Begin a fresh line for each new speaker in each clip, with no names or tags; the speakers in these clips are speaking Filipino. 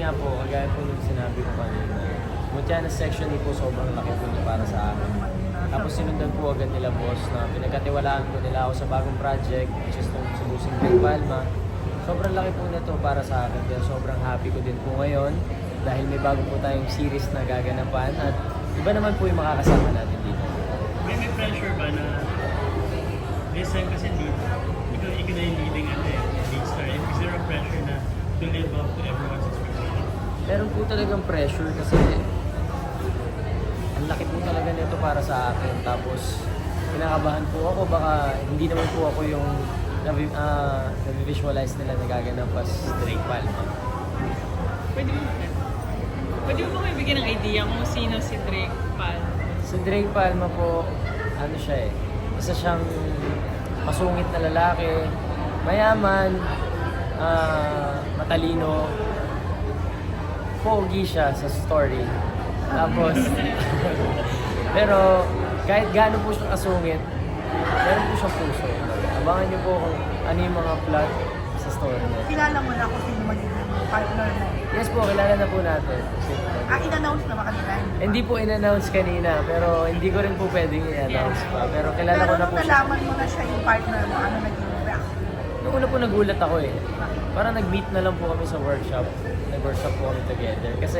nga po, kagaya po nung sinabi ko kanina, Mutya na section po sobrang laki po niya para sa akin. Tapos sinundan po agad nila boss na pinagkatiwalaan po nila ako sa bagong project, which is itong Subusing Great Palma. Sobrang laki po nito para sa akin, kaya sobrang happy ko din po ngayon dahil may bago po tayong series na gaganapan at iba naman po yung makakasama natin dito.
May pressure ba na this time kasi dito, ikaw na yung leading lead star. Is there a pressure na to live up to everyone's expectation?
Meron po talagang pressure kasi ang laki po talaga nito para sa akin. Tapos kinakabahan po ako, baka hindi naman po ako yung na-visualize nila na gaganap as Drake Palma.
Pwede mo ba kayo bigyan ng idea kung sino si Drake Palma?
Si Drake Palma po, ano siya isa siyang masungit na lalaki, mayaman, matalino, pogi siya sa story. Tapos, pero kahit gaano po siya kasungit, meron po siyang puso. Abangan niyo po kung ano yung mga plot sa story niya.
Kilala mo na kung sino magiging partner mo.
Yes po, kilala na po natin.
In-announce na ba kanila?
Hindi po in-announce kanina, pero hindi ko rin po pwedeng i-announce pa. Pero kilala ko na
Pero
po
nung
siya.
nalaman mo na siya yung partner mo, ano naging reaction?
Noong una po nagulat ako Parang nag-meet na lang po kami sa workshop. Nag-workshop po kami together. Kasi,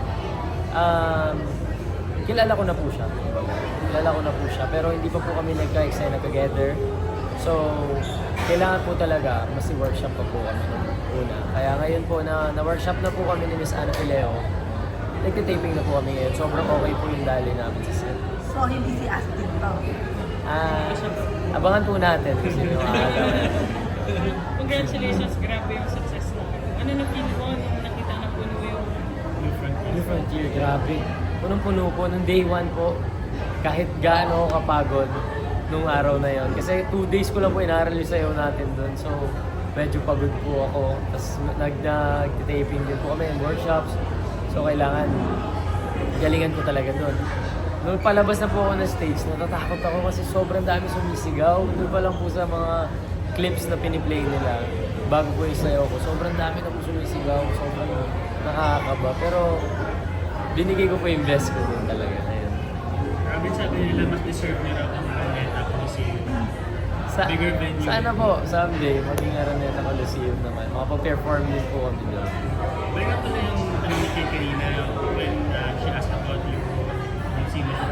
kilala ko na po siya. Kilala ko na po siya. Pero hindi pa po kami nagka-excite na together. So, kailangan po talaga mas workshop pa po kami nung una. Kaya ngayon po na-workshop na po kami ni Miss Ana Pileo. Nagtitaping na po kami ngayon. Sobrang okay po yung dali namin sa set.
So, hindi si Astin to.
Abangan po natin kasi yung
Congratulations, grabe yung success mo. Ano na feel mo nung nakita na puno yung
New Frontier, grabe. Punong-puno po, nung day 1 po, kahit gaano ako kapagod nung araw na yon. Kasi 2 days ko lang po inaaral yung sayaw natin doon. So, medyo pagod po ako. Tapos nag-taping din po kami in workshops. So, kailangan galingan ko talaga doon. Nung palabas na po ako ng stage, natatakot ako kasi sobrang dami sumisigaw. Doon pa lang po sa mga clips na piniplay nila bago po yung sayaw ko. Sobrang dami na po sumisigaw. Sobrang nakakaba. Pero binigay ko po yung best ko din talaga. Ayun.
Robin, sabi nila mas deserve niya raw ang Araneta Coliseum. Bigger venue.
Sana po, someday, maging Araneta Coliseum naman. Makapag-perform din po kami doon.
Balik up to na yung tanong ni Kay kanina when she asked about yung sino siya.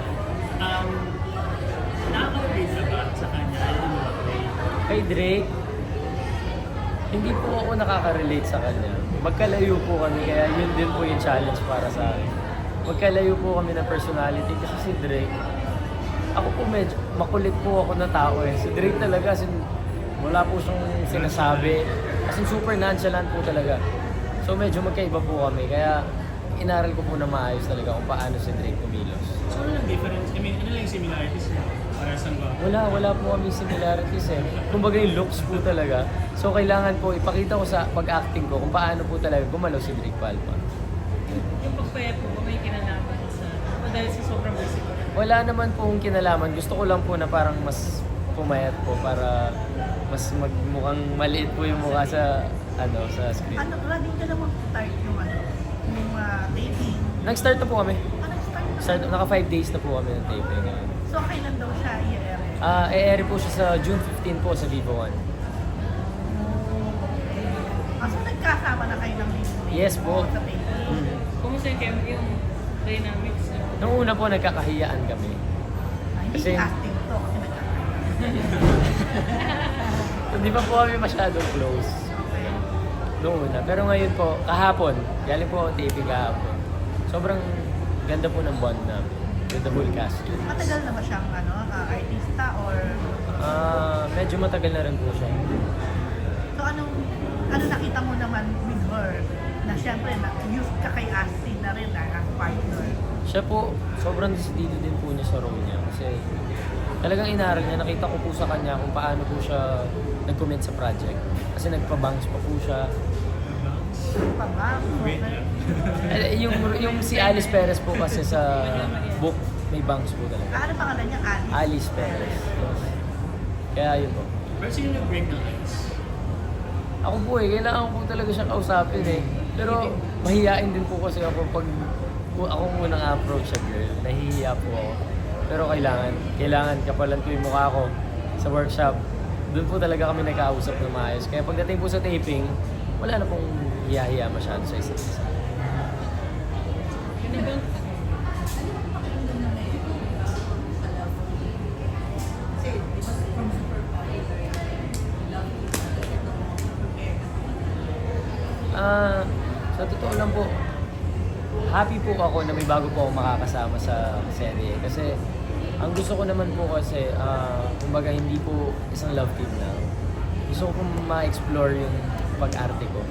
Nakaka-relate ka ba sa kanya?
Kay Drake, hindi po ako nakaka-relate sa kanya. Magkalayo po kami, kaya yun din po yung challenge para sa akin. Magkalayo po kami ng personality kasi si Drake, ako po medyo makulit po ako na tao Si Drake talaga, wala po siyang sinasabi. Kasi super nonchalant po talaga. So medyo magkaiba po kami, kaya inaral ko po na maayos talaga kung paano si Drake kumilos.
So ano lang difference? I mean, ano lang yung similarities niya? Para saan ba?
Wala po kami similarities Kumbaga yung looks po talaga. So kailangan po ipakita ko sa pag-acting ko kung paano po talaga gumalaw si Drake Palma.
yung pagpayat mo ba may kinalaman sa dahil sa sobrang busy ko?
Wala naman pong kinalaman. Gusto ko lang po na parang mas pumayat po para mas magmukhang maliit po yung mukha sa sa screen.
Ano, ready ka na mag-start yung taping?
Nag-start na po kami.
Start na.
Naka 5 days na po kami ng taping ngayon.
So, kailan daw siya i-air?
E-air po siya sa June 15 po sa Vivo One.
So, nagkasama na kayo ng Disney?
Yes po.
Sa taping?
Kumusta yung dynamics niyo?
Nung una po nagkakahiyaan kami.
Hindi
Kasi-
si Astin to kasi nagkasama.
Hindi pa po kami masyadong close. Noong una. Pero ngayon po, kahapon, galing po ako taping kahapon. Sobrang ganda po ng bond namin with the whole cast.
Matagal na ba siyang artista or...
Medyo matagal na rin po siya.
So, ano nakita mo naman with her? Na syempre, used ka kay Astin na rin as partner.
Siya po, sobrang decidido din po niya sa role niya. Kasi talagang inaral niya, nakita ko po sa kanya kung paano po siya nag-commit sa project. Kasi nagpa-bangs pa po siya.
Pa ba?
Yung si Alice Perez po kasi sa book, may bangs po talaga.
Ano pangalan niya? Alice?
Alice Perez. Yes. Kaya yun po.
Pero sino nag-break ng ice?
Ako po kailangan ko po talaga siyang kausapin Pero mahihain din po kasi ako pag ako munang approach sa girl, nahihiya po ako. Pero kailangan kapalan ko yung mukha ko sa workshop. Doon po talaga kami nagkausap na maayos. Kaya pagdating po sa taping, wala na pong hiya-hiya masyado sa isa't isa.
Yun na bang
Sa totoo lang po, happy po ako na may bago po ako makakasama sa serye. Kasi ang gusto ko naman po kasi, kumbaga hindi po isang love team lang. Gusto ko pong ma-explore yung pag-arte ko.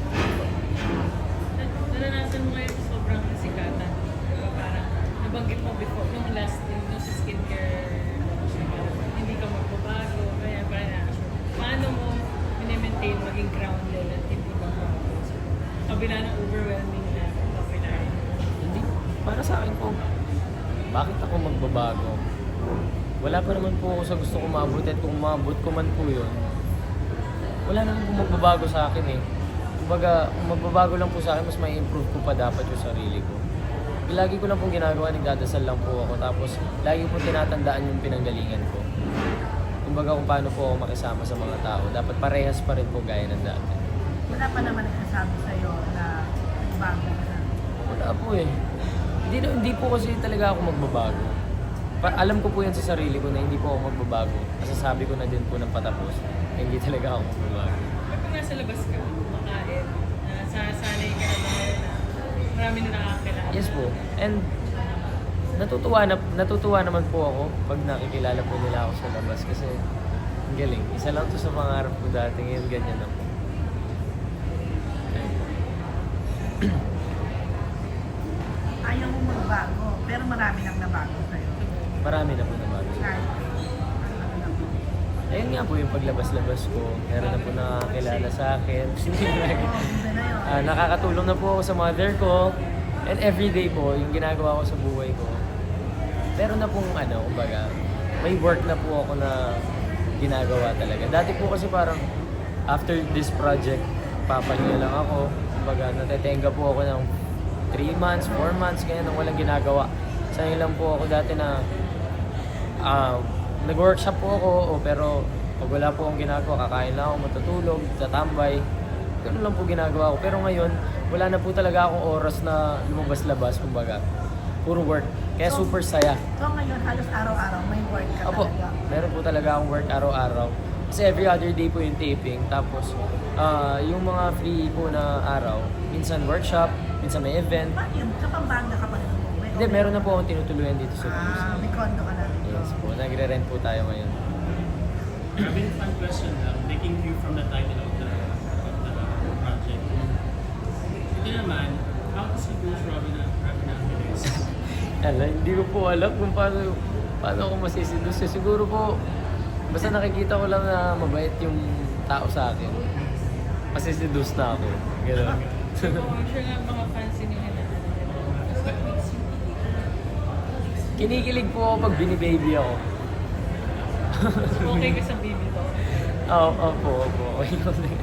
naranasan mo ngayon sobrang kasikatan? Diba? Parang nabanggit mo before, nung last yung sa skincare, parang hindi ka magbabago, kaya parang paano mo mini-maintain maging grounded at hindi magbabago? So, kabila ng overwhelming na popularity.
Hindi, para sa akin po, bakit ako magbabago? Wala pa naman po ako sa gusto ko maabot at kung maabot ko man po yun, wala naman po magbabago sa akin eh. Kumbaga, kung magbabago lang po sa akin, mas may improve ko pa dapat yung sarili ko. Lagi ko lang pong ginagawa, nagdadasal lang po ako, tapos lagi po tinatandaan yung pinanggalingan ko. Kumbaga kung paano po ako makisama sa mga tao, dapat parehas pa rin po gaya ng dati.
Wala pa naman nagsasabi sa'yo na nagbago ka.
Wala po eh. Hindi po kasi talaga ako magbabago. Alam ko po yan sa sarili ko na hindi po ako magbabago. Masasabi ko na din po ng patapos na hindi talaga ako magbabago.
Pero kung nasa labas ka, makain, nasasanay ka na ba na marami na nakakilala?
Yes po. And natutuwa naman po ako pag nakikilala po nila ako sa labas kasi ang galing. Isa lang to sa pangarap ko dati, ngayon ganyan na po.
Ayaw mo magbago, pero marami nang nabago sa'yo.
Marami na po naman.
Kahit ano na po.
Ayun nga po yung paglabas-labas ko. Meron na po nakakilala sa akin.
Iba na yun.
Nakakatulong na po ako sa mother ko. And everyday po, yung ginagawa ko sa buhay ko. Meron na pong kumbaga, may work na po ako na ginagawa talaga. Dati po kasi parang after this project, papahinga lang ako. Kumbaga, natetenga po ako ng 3 months, 4 months, kaya nang walang ginagawa. Sanay lang po ako dati na nag-workshop po ako, pero pag wala po akong ginagawa, kakain lang ako, matutulog, tatambay. Ganun lang po ginagawa ko. Pero ngayon, wala na po talaga akong oras na lumabas-labas, kumbaga. Puro work. Kaya
So,
super saya.
So ngayon, halos araw-araw may work ka
Opo,
talaga.
meron po talaga akong work araw-araw. Kasi every other day po yung taping. Tapos, yung mga free po na araw, minsan workshop, minsan may event.
Bakit yun? Sa Pampanga ka pa rin umuwi?
Hindi, meron na po akong tinutuluyan dito sa
May condo ka na dito.
Yes po, nagre-rent po tayo ngayon.
A very fun question lang, taking view from the title of the project. Ito naman, how to seduce Robin Angeles?
Hindi ko po alam kung paano ako masisidus. Siguro po, basta nakikita ko lang na mabait yung tao sa akin. Masisidus na ako. Gano'n.
So, I'm sure nga mga fans nila na what makes you
Kinikilig po ako pag binibaby ako.
so, okay ka sa baby to?
Opo. Okay lang din.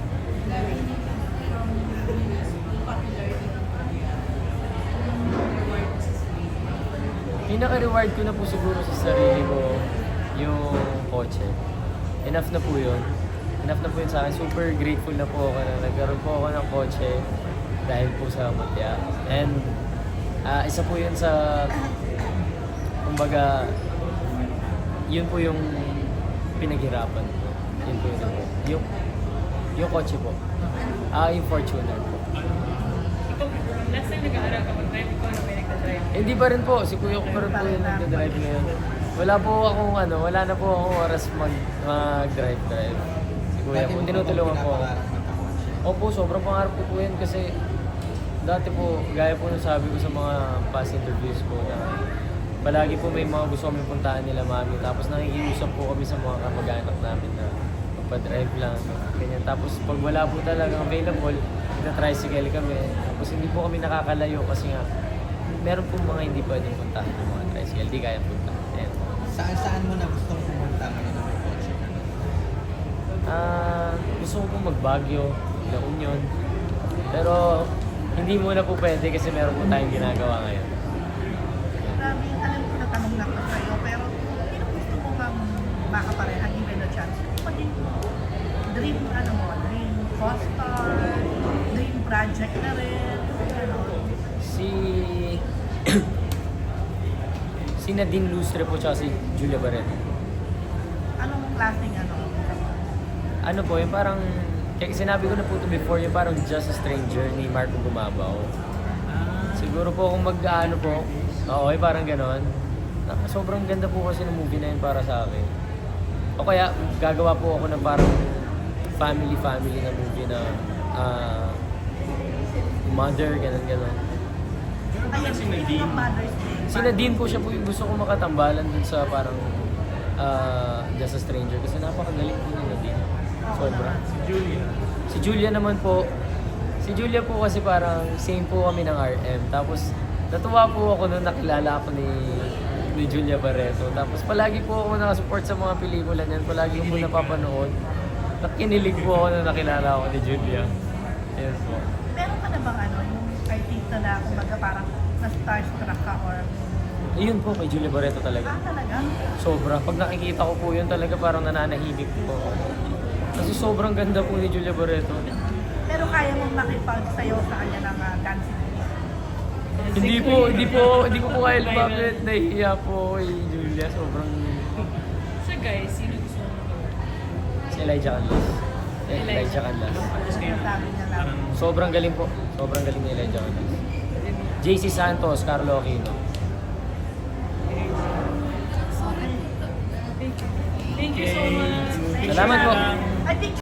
Pinaka-reward ko na po siguro sa sarili ko yung kotse. Enough na po yun. Enough na po yun sa akin. Super grateful na po ako na nagkaroon po ako ng kotse dahil po sa Mutya. And isa po yun sa, kumbaga, yun po yung pinaghirapan ko. Yun po yun. Yung kotse po. Yung Fortuner po.
Ikaw, last time nag-aaral ka mag-drive, ikaw na may nagda-drive.
Hindi pa rin po, si Kuya ko pa rin po yung nagdadrive ngayon. Wala na po akong oras mag-drive. Si Kuya po, tinutulungan po ako. Opo, sobrang pangarap ko po yan kasi dati po, gaya po nung sabi ko sa mga past interviews ko na palagi po may mga gusto kami puntahan nila mami. Tapos nakikiusap po kami sa mga kamag-anak namin na magpa-drive lang. Ganyan. Tapos pag wala po talagang available, na-tricycle kami. Tapos hindi po kami nakakalayo kasi nga meron po mga hindi pwedeng puntahan ng mga tricycle. Hindi kaya punta. Ayan.
Saan mo na gustong pumunta ngayon ng kotse ka?
Gusto ko po mag-Baguio, La Union. Pero hindi muna po pwede kasi meron po tayong ginagawa ngayon.
Grabe, alam ko na tanong na to sa'yo, pero sino gusto mo bang makapareha given a chance? Maging dream, dream co-star, dream project na rin, gano'n.
Si Nadine Lustre po tsaka si Julia Barreto.
Anong klaseng
Ano po, yung parang, kaya sinabi ko na po ito before, yung parang Just a Stranger ni Marco Gumabaw. Siguro po kung mag-ano po, oo, parang ganon. Sobrang ganda po kasi ng movie na yun para sa akin. O kaya, gagawa po ako ng parang family na movie na mother, ganon.
Ayun,
Si
speaking of
Nadine.
Mother's Day.
Si Nadine po siya po yung gusto ko makatambalan dun sa parang Just a Stranger kasi napakagaling po ni Nadine. Sobra.
Si Julia.
Si Julia naman po, si Julia po kasi parang same po kami ng RM. Tapos natuwa po ako nung nakilala ako ni Julia Barreto. Tapos palagi po ako nakasupport sa mga pelikula niyan. Palagi ko po napapanood. Nakinilig po ako nung nakilala ako ni Julia. Yes po.
Meron ka na bang yung artista na kumbaga parang na-starstruck ka or...
Ayun po, kay Julia Barreto talaga.
talaga?
Sobra. Pag nakikita ko po yun talaga parang nananahimik po ako. Kasi sobrang ganda po ni Julia Barreto.
Pero kaya mong makipagsayaw sa kanya ng dancing moves?
Hindi ko po kaya lumapit. Nahihiya po kay Julia. Sobrang...
Sa guys, sino gusto mo magawa?
Si Elijah Canlas. Elijah Canlas.
Sinasabi niya lang.
Parang
Sobrang galing po. Sobrang galing ni Elijah Canlas. JC Santos, Carlo Aquino.
Okay.
Thank you so much.
Salamat po.
Lang.